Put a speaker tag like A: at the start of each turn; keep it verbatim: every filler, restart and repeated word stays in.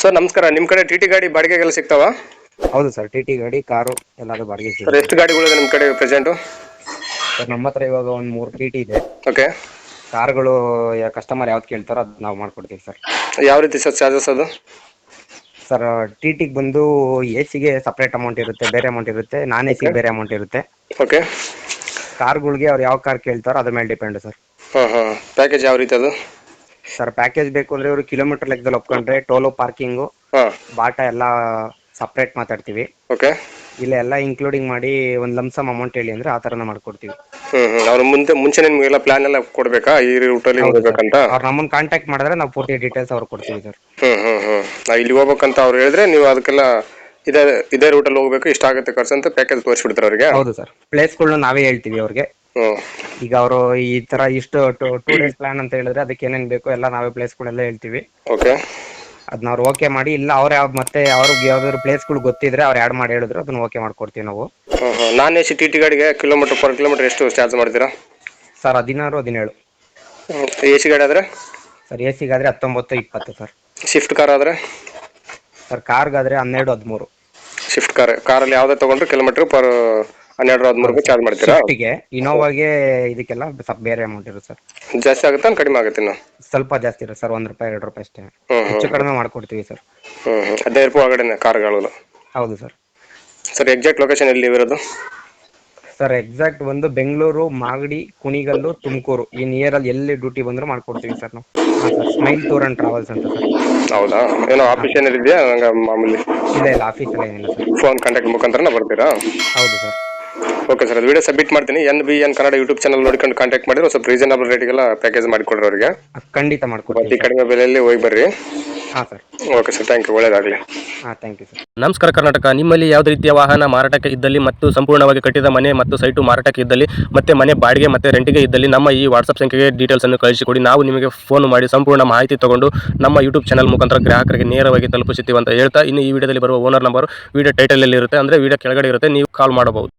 A: Sir ನಮಸ್ಕಾರ. ನಿಮ್ಮ ಕಡೆ ಟಿ ಟಿ ಗಾಡಿ ಬಾಡಿಗೆಗೆಲ್ಲ ಸಿಗ್ತಾವ?
B: ಹೌದು ಸರ್, ಟಿ ಟಿ ಗಾಡಿ, ಕಾರು ಎಲ್ಲಾದ್ರು ಬಾಡಿಗೆ
A: ಸರ್
B: ಸಿಗುತ್ತೆ.
A: ಎಷ್ಟು ಗಾಡಿಗಳಿದೆ ನಿಮ್ಮ ಕಡೆ ಪ್ರೆಸೆಂಟು?
B: ಸರ್ ನಮ್ಮ ಹತ್ರ ಇವಾಗ ಒಂದು ಮೂರು ಟಿ ಟಿ ಇದೆ.
A: ಓಕೆ.
B: ಕಾರ್ಗಳು ಕಸ್ಟಮರ್ ಯಾವ್ದು ಕೇಳ್ತಾರೋ ಅದು ನಾವು ಮಾಡ್ಕೊಡ್ತೀವಿ ಸರ್.
A: ಯಾವ ರೀತಿ ಸರ್ ಚಾರ್ಜಸ್ ಅದು?
B: ಸರ್ ಟಿ ಟಿಗೆ ಬಂದು ಎ ಸಿಗೆ ಸಪ್ರೇಟ್ ಅಮೌಂಟ್ ಇರುತ್ತೆ, ಬೇರೆ ಅಮೌಂಟ್ ಇರುತ್ತೆ. ನಾನ್ ಎ ಸಿಗೆ ಬೇರೆ ಅಮೌಂಟ್ ಇರುತ್ತೆ.
A: ಓಕೆ.
B: ಕಾರ್ಗಳಿಗೆ ಅವ್ರು ಯಾವ ಕಾರ್ ಕೇಳ್ತಾರೋ ಅದ್ರ ಮೇಲೆ ಡಿಪೆಂಡ್ ಸರ್.
A: ಹಾಂ ಹಾಂ ಪ್ಯಾಕೇಜ್ ಯಾವ ರೀತಿ ಅದು?
B: ಸರ್ ಪ್ಯಾಕೇಜ್ ಬೇಕು ಅಂದರೆ ಇವರು ಕಿಲೋಮೀಟರ್ ಲೆಕ್ಕದಲ್ಲಿ ಒಪ್ಕೊಂಡ್ರೆ ಟೋಲು, ಪಾರ್ಕಿಂಗು,
A: ಹಾಂ
B: ಬಾಟ ಎಲ್ಲ ಸಪ್ರೇಟ್ ಮಾತಾಡ್ತೀವಿ.
A: ಓಕೆ.
B: ಇಲ್ಲ ಎಲ್ಲ ಇನ್ಕ್ಲೂಡಿಂಗ್ ಮಾಡಿ ಒಂದು ಲಮ್ಸಮ್ ಅಮೌಂಟ್ ಹೇಳಿ ಅಂದರೆ ಆ ಥರನ ಮಾಡ್ಕೊಡ್ತೀವಿ.
A: ಹ್ಞೂ ಹ್ಞೂ ಅವ್ರು ಮುಂದೆ ಮುಂಚೆನೇ ನಿಮಗೆಲ್ಲ ಪ್ಲಾನ್ ಎಲ್ಲ ಕೊಡಬೇಕಾ ಈ ರೂಟಲ್ಲಿ ಹೋಗ್ಬೇಕಂತ?
B: ಅವ್ರು ನಮ್ಮನ್ನು ಕಾಂಟ್ಯಾಕ್ಟ್ ಮಾಡಿದ್ರೆ ನಾವು ಪೂರ್ತಿ ಡೀಟೇಲ್ಸ್ ಅವ್ರು ಕೊಡ್ತೀವಿ ಸರ್.
A: ಹ್ಞೂ ಹ್ಞೂ ಹ್ಞೂ ನಾವು ಇಲ್ಲಿ ಹೋಗ್ಬೇಕಂತ ಅವ್ರು ಹೇಳಿದ್ರೆ ನೀವು ಅದಕ್ಕೆಲ್ಲ ಇದೇ ಇದೇ ರೂಟಲ್ಲಿ ಹೋಗ್ಬೇಕು, ಇಷ್ಟ ಆಗುತ್ತೆ ಖರ್ಚು ಅಂತ ಪ್ಯಾಕೇಜ್ ತೋರಿಸ್ಬಿಡ್ತಾರೆ ಅವರಿಗೆ?
B: ಹೌದು ಸರ್, ಪ್ಲೇಸ್ಗಳನ್ನ ನಾವೇ ಹೇಳ್ತೀವಿ ಅವ್ರಿಗೆ.
A: ಹ್ಞೂ.
B: ಈಗ ಅವರು ಈ ತರ ಇಷ್ಟು ಟೂ ಡೇಸ್ ಪ್ಲಾನ್ ಅಂತ ಹೇಳಿದ್ರೆ ಅದಕ್ಕೆ ಏನೇನು ಬೇಕು ಎಲ್ಲ ನಾವೇ ಪ್ಲೇಸ್ಗಳೆಲ್ಲ ಹೇಳ್ತೀವಿ.
A: ಓಕೆ.
B: ಅದನ್ನ ಅವ್ರು ಓಕೆ ಮಾಡಿ, ಇಲ್ಲ ಅವ್ರು ಯಾವ ಮತ್ತೆ ಅವ್ರಿಗೆ ಯಾವ್ದಾದ್ರು ಪ್ಲೇಸ್ಗಳು ಗೊತ್ತಿದ್ರೆ ಅವ್ರು ಆ್ಯಡ್ ಮಾಡಿ ಹೇಳಿದ್ರು ಅದನ್ನ ಓಕೆ ಮಾಡ್ಕೊಡ್ತೀವಿ ನಾವು.
A: ಹಾಂ ಹಾಂ non A C T T ಗಾಡಿಗೆ ಕಿಲೋಮೀಟರ್ ಪರ್ ಕಿಲೋಮೀಟರ್ ಎಷ್ಟು ಚಾರ್ಜ್ ಮಾಡ್ತೀರಾ?
B: ಸರ್ ಹದಿನಾರು ಹದಿನೇಳು.
A: ಎ ಸಿ ಗಾಡಿ ಆದರೆ?
B: ಸರ್ ಎ ಸಿಗಾದರೆ ಹತ್ತೊಂಬತ್ತು ಇಪ್ಪತ್ತು ಸರ್.
A: ಶಿಫ್ಟ್ ಕಾರ್ ಆದರೆ?
B: ಸರ್ ಕಾರ್ಗಾದರೆ ಹನ್ನೆರಡು ಹದಿಮೂರು.
A: ಶಿಫ್ಟ್ ಕಾರ್ ಕಾರಲ್ಲಿ ಯಾವುದೇ ತೊಗೊಂಡ್ರೆ ಕಿಲೋಮೀಟರ್ ಪರ್ ಹನ್ನೆರಡು ಹದಿಮೂರು ರೂಪಾಯಿ ಚಾರ್ಜ್ ಮಾಡ್ತೀರಾ?
B: ಶಿಫ್ಟಿಗೆ, ಇನೋವಾಗೆ ಇದಕ್ಕೆಲ್ಲ ಸ್ವಲ್ಪ ಬೇರೆ ಅಮೌಂಟ್ ಇರುತ್ತೆ ಸರ್.
A: ಜಾಸ್ತಿ ಆಗುತ್ತಾ ಕಡಿಮೆ ಆಗುತ್ತೆ ಇನ್ನು?
B: ಸ್ವಲ್ಪ ಜಾಸ್ತಿ ಇರುತ್ತೆ ಸರ್, ಒಂದು ರೂಪಾಯಿ ಎರಡು ರೂಪಾಯಿ ಅಷ್ಟೇ.
A: ಹ್ಞೂ
B: ಹೆಚ್ಚು
A: ಹ್ಞೂ
B: ಕಡಿಮೆ ಮಾಡ್ಕೊಡ್ತೀವಿ ಸರ್.
A: ಹ್ಞೂ ಹ್ಞೂ ಹದಿನೈದು ರೂಪಾಯಿ ಒಳಗಡೆ ಕಾರ್ಗಳು?
B: ಹೌದು ಸರ್.
A: ಸರ್ ಎಕ್ಸಾಕ್ಟ್ ಲೊಕೇಶನ್ ಎಲ್ಲಿ ಇರೋದು?
B: ಸರ್ ಎಕ್ಸಾಕ್ಟ್ ಒಂದು ಬೆಂಗಳೂರು, ಮಾಗಡಿ, ಕುಣಿಗಲ್ಲು, ತುಮಕೂರು ಈ ನಿಯರಲ್ಲಿ ಎಲ್ಲಿ ಡ್ಯೂಟಿ ಬಂದರೂ ಮಾಡ್ಕೊಡ್ತೀವಿ ಸರ್ ನಾವು. ಹಾಂ sir, Smile tour and travels ಅಂತ ಸರ್.
A: ಹೌದಾ? ಏನೋ ಆಫೀಸ್ ಏನಾರು ಇದೆಯಾ ನಂಗೆ ಮಾಮೂಲಿ?
B: ಇಲ್ಲ ಇಲ್ಲ, ಆಫೀಸಲ್ಲಿ ಏನಿಲ್ಲ ಸರ್.
A: ಫೋನ್ ಕಾಂಟ್ಯಾಕ್ಟ್ ಮುಖಾಂತರನೇ ಬರ್ತೀರಾ?
B: ಹೌದು ಸರ್.
A: ಓಕೆ ಸರ್, ಅದು ವಿಡಿಯೋ ಸಬ್ಮಿಟ್ ಮಾಡ್ತೀನಿ. N B N Kannada YouTube channel ನೋಡ್ಕೊಂಡು ಕಾಂಟ್ಯಾಕ್ಟ್ ಮಾಡಿದ್ರೆ ಸ್ವಲ್ಪ ರೀಸನಬಲ್ ರೇಟಿಗೆಲ್ಲ ಪ್ಯಾಕೇಜ್ ಮಾಡಿಕೊಡ್ರಿ ಅವರಿಗೆ.
B: ಖಂಡಿತ ಮಾಡ್ಕೊಡ್ತೀವಿ
A: ಅತಿ ಕಡಿಮೆ ಬೆಲೆಯಲ್ಲಿ ಹೋಗಿ ಬರ್ರಿ.
B: ಹಾಂ sir.
A: Okay sir, thank you, ಒಳ್ಳೆಯದಾಗಲಿ.
B: ಹಾಂ, ಥ್ಯಾಂಕ್ ಯು ಸರ್.
C: ನಮಸ್ಕಾರ ಕರ್ನಾಟಕ. ನಿಮ್ಮಲ್ಲಿ ಯಾವುದೇ ರೀತಿಯ ವಾಹನ ಮಾರಾಟಕ್ಕೆ ಇದ್ದಲ್ಲಿ ಮತ್ತು ಸಂಪೂರ್ಣವಾಗಿ ಕಟ್ಟಿದ ಮನೆ ಮತ್ತು ಸೈಟು ಮಾರಾಟಕ್ಕೆ ಇದ್ದಲ್ಲಿ ಮತ್ತೆ ಮನೆ ಬಾಡಿಗೆ ಮತ್ತು ರೆಂಟಿಗೆ ಇದ್ದಲ್ಲಿ ನಮ್ಮ ಈ ವಾಟ್ಸಪ್ ಸಂಖ್ಯೆಗೆ ಡೀಟೇಲ್ಸನ್ನು ಕಳಿಸಿಕೊಡಿ. ನಾವು ನಿಮಗೆ ಫೋನ್ ಮಾಡಿ ಸಂಪೂರ್ಣ ಮಾಹಿತಿ ತಗೊಂಡು ನಮ್ಮ ಯೂಟ್ಯೂಬ್ ಚಾನಲ್ ಮುಖಾಂತರ ಗ್ರಾಹಕರಿಗೆ ನೇರವಾಗಿ ತಲುಪಿಸುತ್ತೀವಿ ಅಂತ ಹೇಳ್ತಾ, ಇನ್ನು ಈ ವಿಡಿಯೋದಲ್ಲಿ ಬರುವ ಓನರ್ ನಂಬರ್ ವಿಡಿಯೋ ಟೈಟಲಲ್ಲಿ ಇರುತ್ತೆ, ಅಂದರೆ ವಿಡಿಯೋ ಕೆಳಗಡೆ ಇರುತ್ತೆ, ನೀವು ಕಾಲ್ ಮಾಡಬಹುದು.